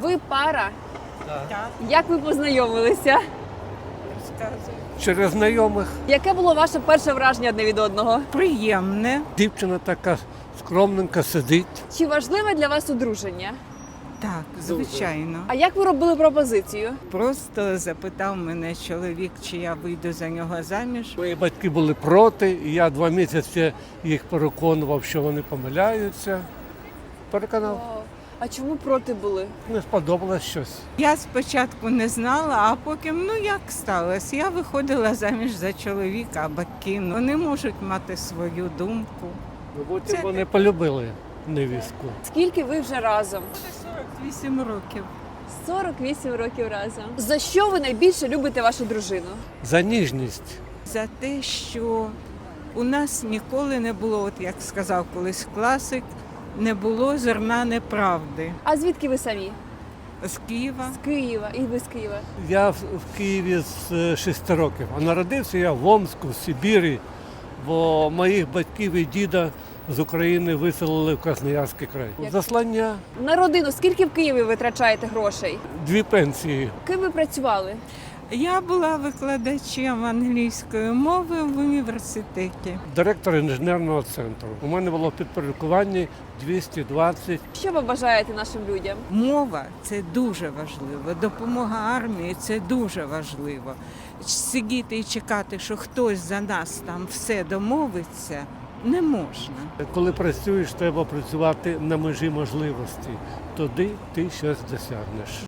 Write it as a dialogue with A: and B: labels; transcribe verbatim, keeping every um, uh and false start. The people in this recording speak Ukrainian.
A: Ви пара?
B: Так,
A: Як ви познайомилися?
B: розказую.
C: Через знайомих.
A: Яке було ваше перше враження одне від одного?
B: Приємне.
C: Дівчина така скромненька сидить.
A: Чи важливе для вас одруження?
B: Так, звичайно.
A: А як ви робили пропозицію?
B: Просто запитав мене чоловік, чи я вийду за нього заміж.
C: Мої батьки були проти, і я два місяці їх переконував, що вони помиляються. Переконав,
A: А чому проти були?
C: не сподобалось щось.
B: Я спочатку не знала, а потім, ну як сталося, я виходила заміж за чоловіка, а батьки, ну, вони можуть мати свою думку.
C: Ну, Потім
B: Це-
C: вони полюбили невістку.
A: Скільки ви вже разом?
B: сорок вісім років.
A: сорок вісім років разом. За що ви найбільше любите вашу дружину?
C: За ніжність.
B: За те, що у нас ніколи не було, от як сказав колись класик, не було зерна неправди.
A: А звідки ви самі?
B: З Києва.
A: З Києва. І ви з Києва.
C: Я в в Києві з е, шести років, а народився я в Омску, в Сибірі, бо моїх батьків і діда з України виселили в Красноярський край.
A: Як?
C: Заслання,
A: На родину скільки в Києві витрачаєте грошей?
C: дві пенсії.
A: Ким ви працювали?
B: Я була викладачем англійської мови в університеті.
C: Директор інженерного центру. У мене було в підпорядкуванні двісті двадцять.
A: Що ви бажаєте нашим людям?
B: Мова це дуже важливо. Допомога армії це дуже важливо. Сидіти і чекати, що хтось за нас там все домовиться, не можна.
C: Коли працюєш, треба працювати на межі можливості. Тоді ти щось досягнеш.